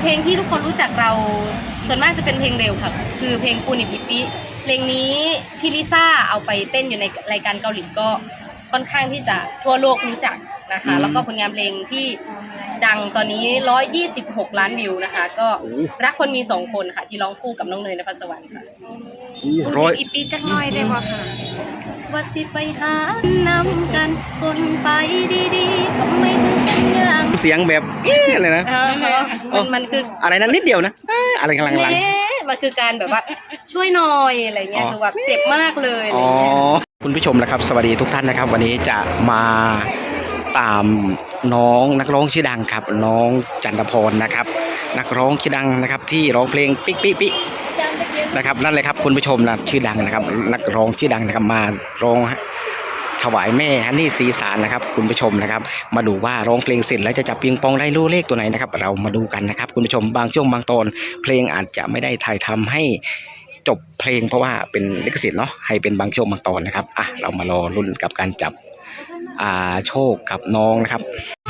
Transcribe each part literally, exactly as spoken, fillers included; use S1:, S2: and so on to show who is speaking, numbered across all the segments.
S1: เพลงที่ทุกคนรู้จักเราส่วนมากจะเป็นเพลงเร็วค่ะคือเพลงปูนิปิปิเพลงนี้พี่ลิซ่าเอาไปเต้นอยู่ในรายการเกาหลีก็ค่อนข้างที่จะทั่วโลกรู้จักนะคะแล้วก็ผลงานเพลงที่ดังตอนนี้หนึ่งร้อยยี่สิบหกล้านวิวนะคะก็รักคนมีสองคนค่ะที่ร้องคู่กับน้องเนยนภัสสวรรค์ค่ะ
S2: ร้อย
S1: อีปีจักหน่อยได้บ่ค่ะว่าสิไปหานำกันคนไปดีๆทำไมถึงเป็นอย่าง
S2: เสียงแบบเอ๊ะอะไรนะ
S1: มันมันคือ
S2: อะไรนั้นนิดเดียวนะอะไรกำลังๆ
S1: มันคือการแบบว่าช่วยหน่อยอะไรเงี้ยคือแบบเจ็บมากเลยอะไรเงี้ย
S2: คุณผู้ชมนะครับสวัสดีทุกท่านนะครับวันนี้จะมาตามน้องนักร้องชื่อดังครับน้องจันทพรนะครับนักร้องชื่อดังนะครับที่ร้องเพลงปิ๊กปิ๊กปิ๊กนะครับนั่นเลยครับคุณผู้ชมนะชื่อดังนะครับนักร้องชื่อดังนะครับมาร้องถวายแม่ฮันนี่สีสารนะครับคุณผู้ชมนะครับมาดูว่าร้องเพลงเสร็จแล้วจะจับปิงปองได้รู้เลขตัวไหนนะครับเรามาดูกันนะครับคุณผู้ชมบางช่วงบางตอนเพลงอาจจะไม่ได้ถ่ายทำให้จบเพลงเพราะว่าเป็นลิขสิทธิ์เนาะให้เป็นบางช่วงบางตอนนะครับอ่ะเรามารอลุ้นกับการจับอ่าโชคกับน้องนะครับ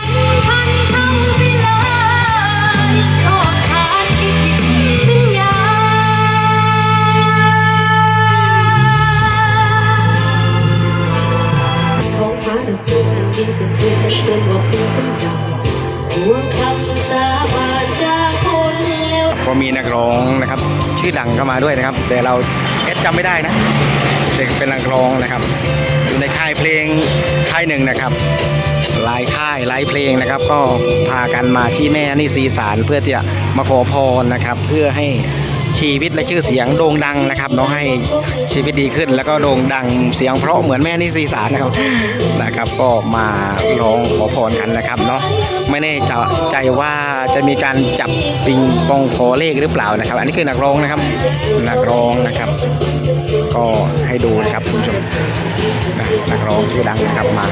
S2: ก็มีนักร้องนะครับชื่อดังเข้ามาด้วยนะครับแต่เราเอสจำไม่ได้นะแต่เป็นนักร้องนะครับอยู่ในค่ายเพลงค่ายหนึ่งนะครับหลายค่ายหลายเพลงนะครับก็พากันมาที่แม่ฮันนี่สีสารเพื่อที่จะมาขอพรนะครับเพื่อให้ชีวิตและชื่อเสียงโด่งดังนะครับน้องให้ชีวิตดีขึ้นแล้วก็โด่งดังเสียงเพราะเหมือนแม่ฮันนี่สีสารนะครับนะครับก็มาร้องขอพรกันนะครับเนาะไม่แน่ใจว่าจะมีการจับปิงปองขอเลขหรือเปล่านะครับอันนี้คือนักร้องนะครับนักร้องนะครับก็ให้ดูนะครับคุณผู้ชมนักร้องชื่อดังนะครับมา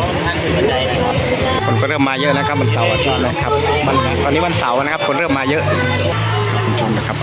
S2: คนก็เริ่มมาเยอะนะครับวันเสาร์อาทิตย์นะครับวันตอนนี้วันเสาร์นะครับคนเริ่มมาเยอะคุณผู้ชมนะครับ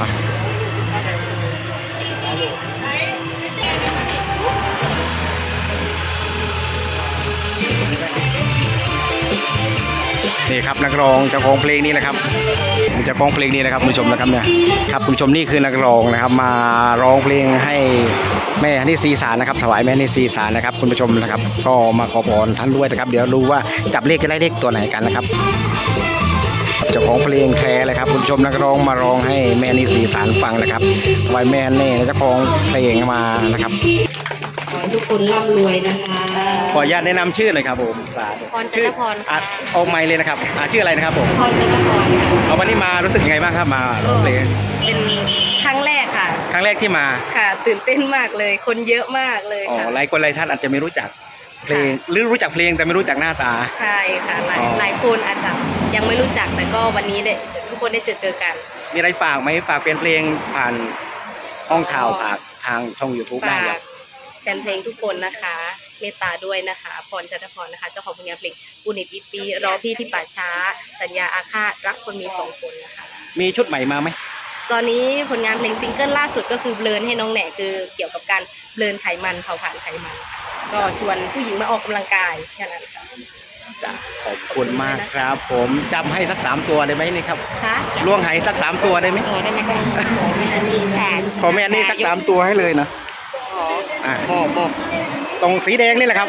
S2: นี่ครับนักร้องเจ้าของเพลงนี้นะครับเจ้าของเพลงนี้นะครับคุณผู้ชมนะครับเนี่ยครับคุณผู้ชมนี่คือนักร้องนะครับมาร้องเพลงให้แม่ฮันนี่สีสารนะครับถวายแม่ฮันนี่สีสารนะครับคุณผู้ชมนะครับก็มาขอพรท่านด้วยนะครับเดี๋ยวรู้ว่าจับเลขจะได้เลขตัวไหนกันนะครับเจ้าของเพลงแคร์เลยครับคุณผู้ชมนักร้องมาร้องให้แม่ฮันนี่สีสารฟังนะครับถวายแม่ฮันนี่เจ้าของเพลงมานะครับ
S1: ขอให้ทุกคนร่ำรวยนะคะ
S2: ขออนุญาตแนะนำชื่อหน่อยครับผม
S1: พรจันทพร
S2: อ่ะออกไมค์เลยนะครับอ่ะชื่ออะไรนะครับผม
S1: พรจันทพร
S2: เอาวันนี้มารู้สึกยังไงบ้างครับมาเพลง
S1: เป็นครั้งแรกค่ะ
S2: ครั้งแรกที่มา
S1: ค่ะตื่นเต้นมากเลยคนเยอะมากเลยค่ะ
S2: หลายคนหลายท่านอาจจะไม่รู้จักเพลงหรือรู้จักเพลงแต่ไม่รู้จักหน้าตา
S1: ใช่ค่ะหลายหลายคนอาจจะยังไม่รู้จักแต่ก็วันนี้ได้ทุกคนได้เจอเจอกัน
S2: มีอะไรฝากไหมฝากเป็นเพลงผ่านห้องข่าวผ่านทางช่อง ยูทูบ ได้ครับ
S1: แฟนเพลงทุกคนนะคะเมตตาด้วยนะคะพรจันทพรนะคะเจ้าของผลงานเพลงปูนิปิปีรอพี่ที่ป่าช้าสัญญาอาฆาตรักคนมีสองคนนะคะ
S2: มีชุดใหม่มาไหม
S1: ตอนนี้ผลงานเพลงซิงเกิลล่าสุดก็คือเบลนให้น้องแหน่คือเกี่ยวกับการเบลนไขมันเผาผลาญไขมันก็ชวนผู้หญิงมาออกกำลังกายแค่นั้นค่ะ
S2: ขอบคุณมากครับผมจำให้สักสามตัวได้ไหมนี่ครับ
S1: คะ
S2: ล่วงไหสักสามตัวได้ไหม
S1: เออได้ไหมก็ขอแม่นี่ค่ะ
S2: ขอแม่นี่สักสามตัวให้เลยนะ
S1: อ่าบอกบอก
S2: ตรงสีแดงนี่แหละครับ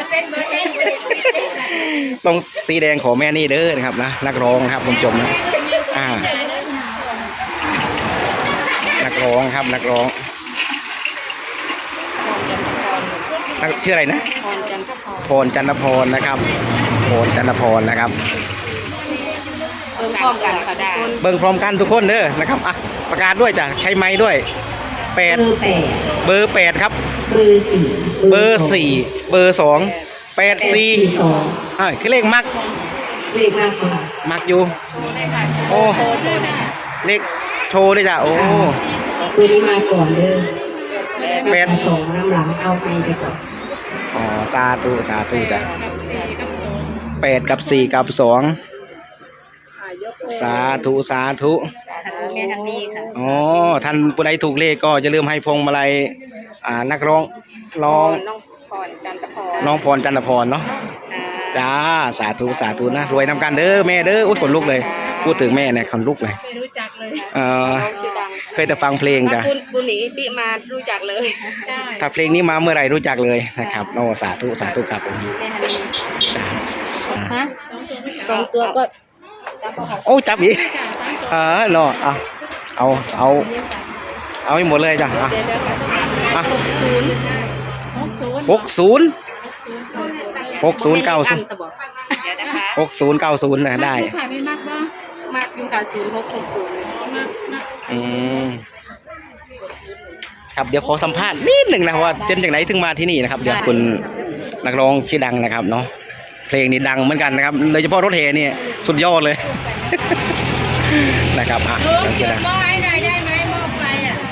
S2: ตรงสีแดงขอแม่นี่เด้อนะครับนะนักร้องครับคุณผู้ชมนะอ่านักร้องครับนักร้องชื่ออะไรนะ
S1: พรจันทพร
S2: พรจันทพรนะครับพรจันทพรนะครับ
S1: เบิ้งพร้อมกันค่ะได้
S2: เบิ้งพร้อมกันทุกคนเด้อนะครับอ่ะประกาศด้วยจ้ะใช้ไม้ด้วยแปดเบอร์แปดครับ
S1: เบอร์สี่
S2: เบอร์สี่เบอร์สองแปดสี่อ่าคือเลขมัก
S1: เลขมากกว่า
S2: มักอยู่โอ้เลขโชว์ด้วยจ้ะโอ้
S1: ตัวนี้มาก่อนเด้อแปดสองน้ำหลังเอาไปไปก่อน
S2: อ๋อสาธุสาธุจ้ะแปดกับสี่กับสองสาธุสาธุ
S1: แม่ทางนี้ค่ะ
S2: อ๋อท่านผู้ใดถูกเลขก็จะเริ่มให้พวงมาลัยอ่านักร้องร้อง
S1: น้องพรจันทพร
S2: น้องพรจันทพรเนาะจ้าสาธุสาธุนะรวยนำกันเด้อแม่เด้ออุ้ยขนลุกเลยพูดถึงแม่เนี่ยคนลุกเลย
S3: ไม่รู้จักเลย
S2: เออ
S1: น้องชื่อดัง
S2: เคยแต่ฟังเพลงจ้ะ
S3: คุณบุญหนีปีมารู้จักเลย ใช่
S2: ถ้าเพลงนี้มาเมื่อไหร่รู้จักเลยนะครับโอ้สาธุสาธุครับผม
S1: แม่ฮันนี่
S2: จ้ะ
S1: ฮะสองตัวก็
S2: โอ้จับอีกเออเนาะเอาเอาเอาเอาให้หมดเลยจ้ะอ่ะ
S1: เดี๋ยวเดี๋ยว
S2: อ่ะ
S1: หกศูนย์
S3: หกศูนย์
S2: หกศูนย์
S3: หกศูนย์
S2: หกศูนย์เก้าศูนย์
S1: อันสบอก
S3: เดี๋ยวนะคะ
S2: หกศูนย์เก้าศูนย์นะได้
S3: ขายไม่มากบ้าง
S1: มากอยู่ค่ะศูนย์หกหกศูนย์
S3: มากมาก
S2: อืมครับเดี๋ยวขอสัมภาษณ์นิดหนึ่งนะว่าเจนจากไหนถึงมาที่นี่นะครับเดี๋ยวคุณนักร้องชื่อดังนะครับเนาะเพลงนี้ดังเหมือนกันนะครับโดยเฉพาะรถแห่เนี่ยสุดยอดเลย นะครับอ่ะ
S3: เออ
S2: เดี๋ยว
S3: จุ
S2: ชื่อ
S3: ด
S2: ดัง
S3: หม้อให้หน่อยได้ไหมหม้อไฟอ่ะ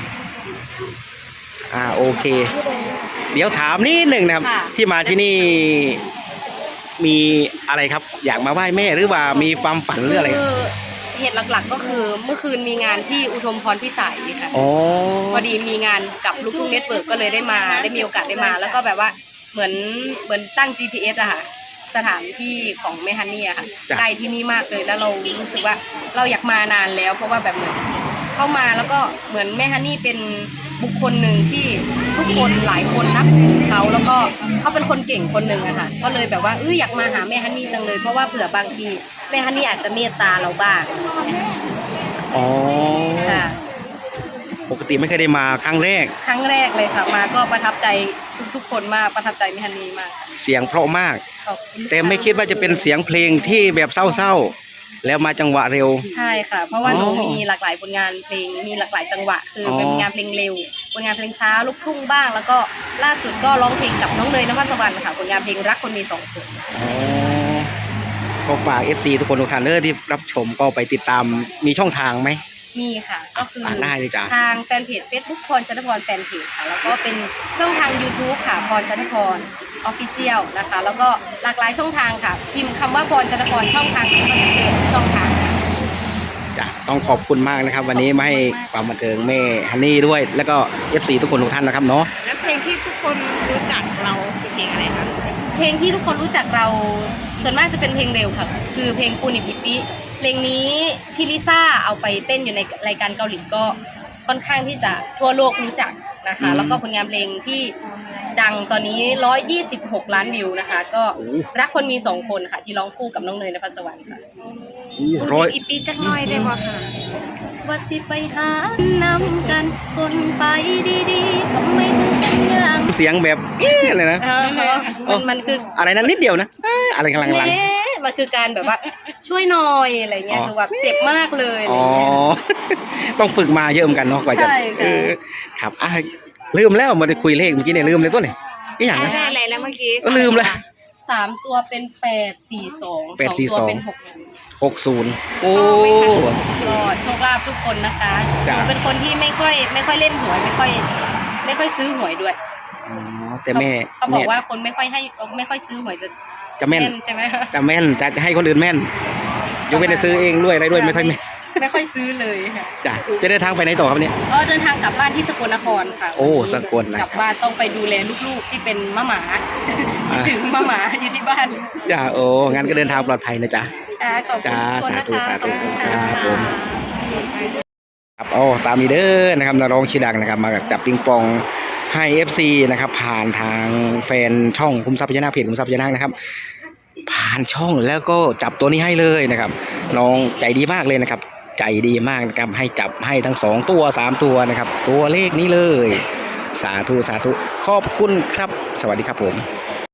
S2: อ่าโอเค เดี๋ยวถามนิดหนึ่งนะครับ ที่มาที่นี่มีอะไรครับ อยากมาไหว้แม่หรือว่ามีความฝันหรืออะไร
S1: คือเหตุหลักๆก็คือเมื่อคืนมีงานที่อุทมพรพิสัยค่ะ
S2: อ๋อ
S1: พอดีมีงานกับลูกทุ่งเน็ตเวิร์กก็เลยได้มาได้มีโอกาสได้มา แล้วก็แบบว่าเหมือนเหมือนตั้ง จี พี เอส อะค่ะสถานที่ของแม่ฮันนี่อะค่ะใกล้ที่นี่มากเลยแล้วเรารู้สึกว่าเราอยากมานานแล้ว เพราะว่าแบบเหมือนเข้ามาแล้วก็เหมือนแม่ฮันนี่เป็นบุคคลหนึ่งที่ทุกคนหลายคนนับถือเขาแล้วก็เขาเป็นคนเก่งคนหนึ่งอะค่ะก็เลยแบบว่าเอออยากมาหาแม่ฮันนี่จังเลยเพราะว่าเผื่อบางทีแม่ฮันนี่อาจจะเมตตาเราบ้าง
S2: อ๋อ
S1: ค่ะ
S2: ปกติไม่เคยได้มาครั้งแรก
S1: ครั้งแรกเลยค่ะมาก็ประทับใจทุกๆคนมากประทับใจแม่ฮันนี่มาก
S2: เสียงเพราะมาก
S1: ขอบคุณ
S2: แต่ไม่คิดว่าจะเป็นเสียงเพลงที่แบบเศร้าๆแล้วมาจังหวะเร็ว
S1: ใช่ค่ะ เพราะว่า
S2: อ๋อ
S1: หนูมีหลากหลายผลงานเพลงมีหลากหลายจังหวะ คืออ
S2: อ
S1: เป็นงานเพลงเร็วผลงานเพลงช้าลูกทุ่งบ้าง แล้วก็ล่าสุดก็ร้องเพลงกับน้องเนยนภัสวรรณค่ะผลงานเพลงรักคนมีสองคน
S2: อ๋อก็ฝาก เอฟ ซี ทุกคนทุกท่านเนอที่รับชมก็ไปติดตามมีช่องทางไหม
S1: มีค่ะ ก็คือ
S2: อ่านได้เลยจ้ะ
S1: ทางแฟนเพจ Facebook พรจันทพรแฟนเพจค่ะ แล้วก็เป็นช่องทาง YouTube ค่ะพรจันทพรออฟฟิเชียลนะคะ แล้วก็หลากหลายช่องทางค่ะ พิมพ์คำว่าพรจันทพรช่องทางก็จะเจอทุกช่องทาง
S2: จ้ะต้องขอบคุณมากนะครับ วันนี้มาให้ความบันเทิงแม่ฮันนี่ด้วย แล้วก็ เอฟ ซี ทุกคนทุกท่านนะครับเนาะ
S3: แล้วเพลงที่ทุกคนรู้จักเราคือเพลงอะไรคะ
S1: เพลงที่ทุกคนรู้จักเราส่วนมากจะเป็นเพลงเร็วค่ะ คือเพลงปูนิปิปิเพลงนี้พี่ลิซ่าเอาไปเต้นอยู่ในรายการเกาหลีก็ค่อนข้างที่จะทั่วโลกรู้จักนะคะ แล้วก็ผลงานเพลงที่ดังตอนนี้หนึ่งร้อยยี่สิบหกล้านวิวนะคะ ก็รักคนมีสองคนค่ะ ที่ร้องคู่กับน้องเนยนภัสวรรณค่ะ
S2: ร้อย
S3: อีปีจักหน้อยได้บ่ค่ะ
S1: ว่าสิไปหานำกันคนไปดีๆทำไมถึงเป็นอย่าง
S2: เสียงแบบเอ๊ะอะไรนะ
S1: เออมันมันคือ
S2: อะไรนั้นนิดเดียวนะเอ๊ะอะไรกำลังลัง
S1: เอ๊ะมันคือการแบบว่าช่วยหน่อยอะไรเงี้ย
S2: อ๋อ
S1: คือแบบเจ็บมากเลยอะไร
S2: อ๋อ
S1: เงี้ย
S2: ต้องฝึกมาเยอะเหมือนกันเนาะกว่าจะ
S1: ใช่ค่ะ
S2: เออครับอ่ะลืมแล้วมาได้คุยเลขเมื่อกี้เนี่ยลืมเลยตัวเนี่ยนี่อย่างนะ
S3: ได้อะไรนะเมื่อกี้
S2: ก็ลืมเลย
S1: สามตัวเป็นแปดสี่สอง
S2: แปด
S1: สอง
S2: สี่
S1: ตัว
S2: สอง
S1: เป็นหกศูนย์
S2: หกศูนย์โอ้
S1: ก็โชคลาภทุกคนนะคะห
S2: จ้ะ
S1: นูเป็นคนที่ไม่ค่อยไม่ค่อยเล่นหวยไม่ค่อย ไม่ค่อยซื้อหวยด้วย
S2: อ๋อแต่แม่
S1: เขาบอก
S2: แม่
S1: ว่าคนไม่ค่อยให้ไม่ค่อยซื้อหวยจะ
S2: จะแม่น
S1: ใช่ไหมคะ
S2: จะแม่นจะจะให้คนอื่นแม่นยกเว้นจะซื้อเองด้วยอะไรด้วยไม่ค่อยแม่น
S1: ไม่ค่อยซื้อเลยค่ะ
S2: จ้ะจะเดินทางไปไหนต่อครับเนี่ย
S1: ก็เดินทางกลับบ้านที่สกลนครค่ะ
S2: โอ้สกลนะ
S1: กลับบ้านต้องไปดูแลลูกๆที่เป็นมะหมาคิดถึงมะหมาอยู่ที่บ้าน
S2: จ้ะโอ้งั้นก็เดินทางปลอดภัยนะจ๊ะ
S1: อ่าขอบคุณ
S2: จ้า
S1: ทุกคนนะคะ
S2: สาธุ
S1: ขอบคุณ
S2: สาธุ
S1: ค่ะ
S2: ครับผม ครับโอ้ตามนี้เด้อนะครับนักร้องชื่อดังนะครับมาจับปิงปองให้ เอฟ ซี นะครับผ่านทางแฟนช่องคุ้มทรัพย์พญานาคเพจคุ้มทรัพย์พญานาคนะครับ ผ่านช่องแล้วก็จับตัวนี้ให้เลยนะครับน้องใจดีมากเลยนะครับ ใจดีมากนะครับให้จับให้ทั้งสองตัวสามตัวนะครับ ตัวเลขนี้เลย สาธุสาธุขอบคุณครับ สวัสดีครับผม